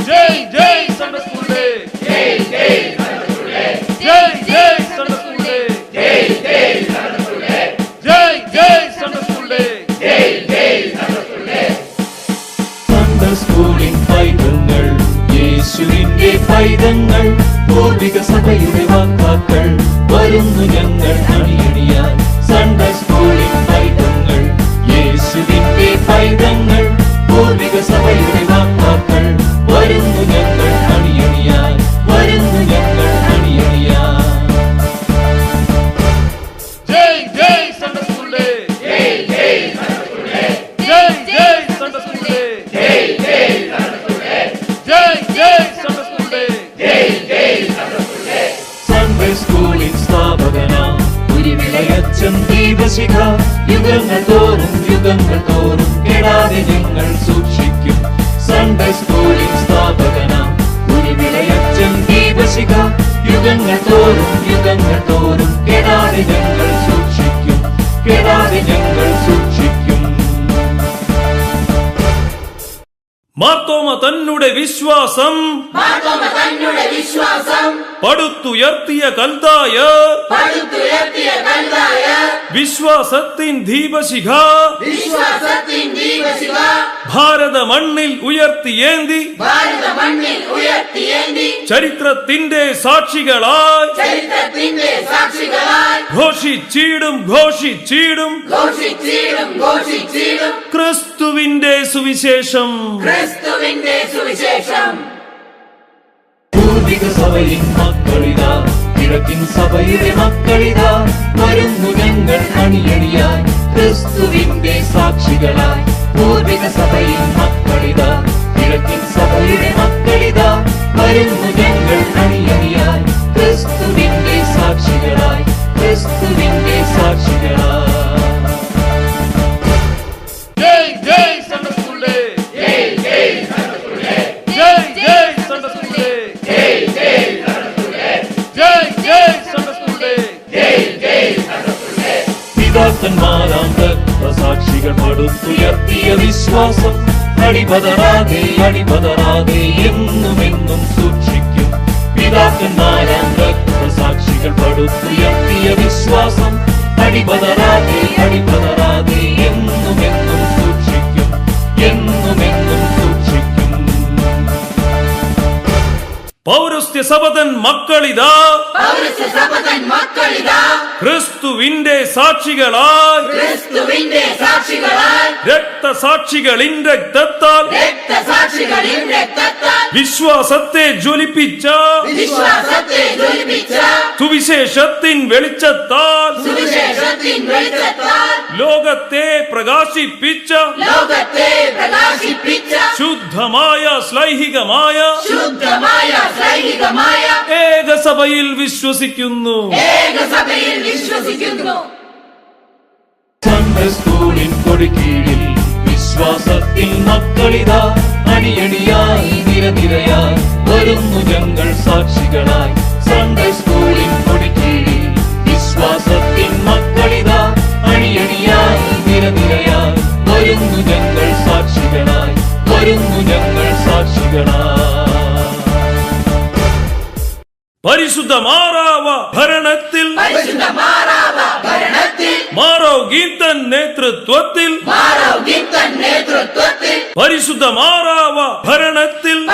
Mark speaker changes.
Speaker 1: ஜெய் ஜெய் Sunday school day,
Speaker 2: ஜெய் ஜெய் சண்டே ஸ்கூல் டே,
Speaker 1: ஜெய் ஜெய் சண்டே ஸ்கூல் டே,
Speaker 2: ஜெய் ஜெய் சண்டே ஸ்கூல் டே,
Speaker 1: ஜெய் ஜெய் சண்டே ஸ்கூல் டே,
Speaker 2: ஜெய் ஜெய் சண்டே ஸ்கூல் டே.
Speaker 3: സൺഡേ സ്കൂളിൻ പൈതങ്ങൾ യേശുവിന്റെ പൈതങ്ങൾ പൂർവിക സഭയുടെ വാക്കാക്കൾ വരുന്നു ഞങ്ങൾ അണിയണിയാൻ. സൺഡേ സ്കൂളിൻ പൈതങ്ങൾ യേശുവിന്റെ പൈതങ്ങൾ പൂർവിക സഭയുടെ വാക്കാക്കൾ വരുന്നു ഞങ്ങൾ അണിയണിയാൻ, വരുന്നു ഞങ്ങൾ അണിയണിയാൻ.
Speaker 1: ஜெய் ஜெய் சண்டே ஸ்கூல் டே,
Speaker 2: ஜெய் ஜெய் சண்டே ஸ்கூல் டே,
Speaker 1: ஜெய் ஜெய் சண்டே ஸ்கூல் டே,
Speaker 2: ஜெய் ஜெய் சண்டே ஸ்கூல் டே,
Speaker 1: ஜெய் ஜெய் சண்டே ஸ்கூல் டே,
Speaker 2: ஜெய் ஜெய் சண்டே ஸ்கூல் டே.
Speaker 3: സൺഡേ സ്കൂളിൻ സ്ഥാപകനാം ഉരുവിളയച്ചൻ ദീപശിഖ യുഗങ്ങൾ തോറും കെടാതെ ഞങ്ങൾ സൂക്ഷിക്കും. സൺഡേ സ്കൂളിൻ സ്ഥാപകനാം ഉരുവിളയച്ചൻ ദീപശിഖ യുഗങ്ങൾ തോറും കെടാതെ ഞങ്ങൾ സൂക്ഷിക്കും, കെടാതെ ഞങ്ങൾ സൂക്ഷിക്കും.
Speaker 1: മാർത്തോമ തന്നുടെ വിശ്വാസം പടുത്തുയർത്തിയ കൽദായ വിശ്വാസത്തിൻ ദീപശിഖ ഭാരത മണ്ണിൽ ഉയർത്തിയേന്തി ചരിത്രത്തിന്റെ സാക്ഷികളായി ഘോഷിച്ചിടും ക്രിസ്തുവിന്റെ സുവിശേഷം.
Speaker 3: പൂർവിക സഭയിൻ മക്കളിതാ, കിഴക്കിൻ സഭയുടെ മക്കളിതാ, വരുന്നു ഞങ്ങൾ അണിയണിയായി ക്രിസ്തുവിന്റെ സാക്ഷികളായി. പൂർവിക സഭയിൻ മക്കളിതാ, കിഴക്കിൻ സഭയുടെ മക്കളിതാ, വരുന്നു ഞങ്ങൾ അണിയണിയായി ക്രിസ്തുവിന്റെ സാക്ഷികളായി, ക്രിസ്തുവിന്റെ സാക്ഷികളായി.
Speaker 1: ജയ് ജയ് സൺഡേ സ്കൂൾ ഡേ,
Speaker 2: ജയ് ജയ് സൺഡേ സ്കൂൾ ഡേ,
Speaker 1: ജയ് ജയ് സൺഡേ സ്കൂൾ ഡേ,
Speaker 2: ജയ് ജയ് സൺഡേ സ്കൂൾ ഡേ,
Speaker 1: ജയ് ജയ് സൺഡേ സ്കൂൾ ഡേ,
Speaker 2: ജയ് ജയ് സൺഡേ സ്കൂൾ ഡേ.
Speaker 3: പിതാക്കന്മാരാം രക്തസാക്ഷികൾ പടുത്തുയർത്തിയ വിശ്വാസം അടിപതറാതെ എന്നുമെന്നും സൂക്ഷിക്കും. പിതാക്കന്മാരാം രക്തസാക്ഷികൾ പടുത്തുയർത്തിയ വിശ്വാസം അടിപതറാതെ എന്നുമെന്നും സൂക്ഷിക്കും, എന്നുമെന്നും സൂക്ഷിക്കും.
Speaker 1: പൗരസ്ത്യ സഭതൻ മക്കളിതാ,
Speaker 2: പൗരസ്ത്യ സഭതൻ മക്കളിതാ,
Speaker 1: ക്രിസ്തുവിന്റെ സാക്ഷികളായി രക്തസാക്ഷികളിൻ രക്തത്താൽ വിശ്വാസത്തെ ജ്വലിപ്പിച്ച സുവിശേഷത്തിൻ വെളിച്ചത്താൽ ലോകത്തെ പ്രകാശിപ്പിച്ച ശുദ്ധമായ ശ്ലൈഹികമായ ഏകസഭയിൽ വിശ്വസിക്കുന്നു.
Speaker 3: സൺഡേ സ്കൂളിൻ കൊടിക്കീഴിൽ വിശ്വാസത്തിൽ മക്കളിതാ, അണിയണിയായി നിരനിരയായി വരുന്നു ഞങ്ങൾ സാക്ഷികളായി. സൺഡേ സ്കൂളിൻ കൊടിക്കീഴിൽ വിശ്വാസത്തിൽ മക്കളിതാ, അണിയണിയായി നിരനിരയായി വരുന്നു ഞങ്ങൾ സാക്ഷികളായി, വരുന്നു ഞങ്ങൾ സാക്ഷികളായി.
Speaker 1: പരിശുദ്ധ മാറാവ ഭരണത്തിൽ മാറവ് ഗീതൻ നേതൃത്വത്തിൽ പരിശുദ്ധ മാറാവ ഭരണത്തിൽ